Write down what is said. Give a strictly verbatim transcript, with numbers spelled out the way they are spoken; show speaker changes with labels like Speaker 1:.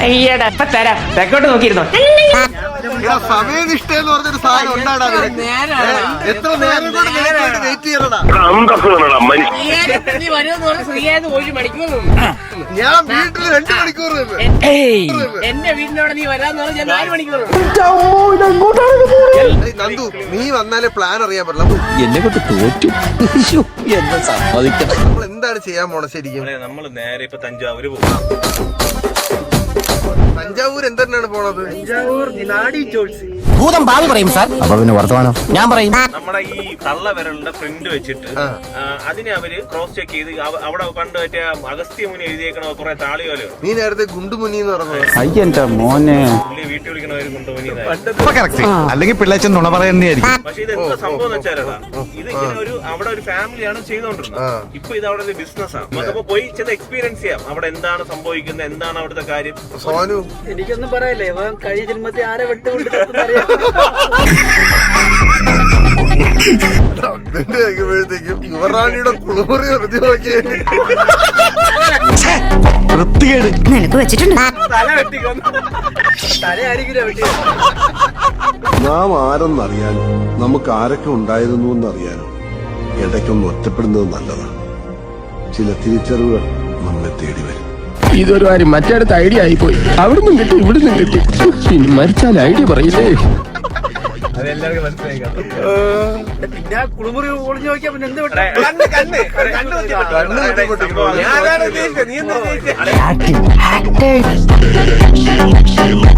Speaker 1: അയ്യടാ ഇപ്പൊ തരാം തെക്കോട്ട് നോക്കിയിരുന്നോ.
Speaker 2: സമയനിഷ്ഠ എന്ന് പറഞ്ഞൊരു സാധനം ഉണ്ടാടാ. എത്ര നേരം കൊണ്ട് വെയിറ്റ് ചെയ്യണടാ. ഞാൻ വീട്ടിൽ രണ്ട് മണിക്കൂർ
Speaker 1: എന്റെ വീടിനോട് നീ വരാന്ന് പറഞ്ഞാൽ നാല് മണിക്കൂർ.
Speaker 2: നന്ദു, നീ വന്നാലേ പ്ലാൻ അറിയാൻ പറ്റില്ല.
Speaker 3: എന്നെ കൊണ്ട് തോറ്റു എന്ന് സമ്മതിക്കണം.
Speaker 2: നമ്മൾ എന്താണ് ചെയ്യാൻ പോണ ശരിക്കും?
Speaker 4: നമ്മള് നേരെ ഇപ്പൊ തഞ്ചാവൂര് പോകും.
Speaker 2: തഞ്ചാവൂർ എന്താണ് പോണത്? തഞ്ചാവൂർ നാടി ചോൾസ്
Speaker 3: ഭൂതം ഭാവി പറയും സാർ. അപ്പൊ പിന്നെ വർത്തമാനോ ഞാൻ പറയും.
Speaker 4: നമ്മുടെ ഈ തള്ള വിരലിന്റെ പ്രിന്റ് വെച്ചിട്ട് അതിനെ അവര് ക്രോസ് ചെക്ക് ചെയ്ത് അവിടെ കണ്ടു പറ്റിയ അഗസ്ത്യ മുനി എഴുതിയേക്കണ കുറെ താളിയോലോ.
Speaker 2: നീ നേരത്തെ ഗുണ്ടുമുനി എന്ന് പറഞ്ഞത്.
Speaker 3: അയ്യന്റെ മോനെ
Speaker 4: വീട്ടിൽ വിളിക്കണവര് ഗുണ്ടുമുനി.
Speaker 5: അല്ലെങ്കിൽ പിള്ളേച്ചൻ നുണ പറയുന്നതായിരിക്കും.
Speaker 4: പക്ഷെ ഇത് എന്താ സംഭവം എന്ന് വെച്ചാലടാ, ഇത് ഇങ്ങനെ ഒരു അവിടെ ഒരു ഫാമിലിയാണ് ചെയ്തോണ്ടിരുന്നത്. ഇപ്പൊ ഇത് അവിടെ ഒരു ബിസിനസ്സാണ്. നമുക്കപ്പോ പോയി ചെന്ന് എക്സ്പീരിയൻസ് ചെയ്യാം അവിടെ എന്താണ് സംഭവിക്കുന്നത്, എന്താണ് അവിടുത്തെ കാര്യം.
Speaker 2: സോനു,
Speaker 1: എനിക്കൊന്നും പറയല്ലേ, കഴിഞ്ഞ ജന്മത്തെ ആരെ വിട്ടുകൊണ്ട്
Speaker 2: പ്പോഴത്തേക്കും യുവറാണിയുടെ കുളിമുറി വെറുതെ നോക്കിയേ.
Speaker 6: നിനക്ക് വെച്ചിട്ടുണ്ട്.
Speaker 7: നാം ആരെന്നറിയാനും നമുക്ക് ആരൊക്കെ ഉണ്ടായിരുന്നു എന്നറിയാനും ഇടയ്ക്കൊന്ന് ഒറ്റപ്പെടുന്നത് നല്ലതാണ്. ചില തിരിച്ചറിവുകൾ നമ്മെ തേടി വരും.
Speaker 8: ഇതൊരു കാര്യം മറ്റേടത്ത് ഐഡിയ ആയിപ്പോയി. അവിടുന്ന് കിട്ടി ഇവിടുന്ന് കിട്ടി. ഇനി മരിച്ചാൽ ഐഡിയ പറയില്ലേ.
Speaker 4: അതെല്ലാവർക്കും മനസ്സിലായി.
Speaker 1: പിന്നെ കുളിമുറി ഒളിഞ്ഞു നോക്കിയാ പിന്നെ എന്ത് വിട്ടു?
Speaker 4: കണ്ണ് കണ്ണ് കണ്ണ്
Speaker 2: ഞാനാണ് ഉദ്ദേശിച്ചത്. നീ എന്താ ഉദ്ദേശിച്ചത്?
Speaker 6: Acting.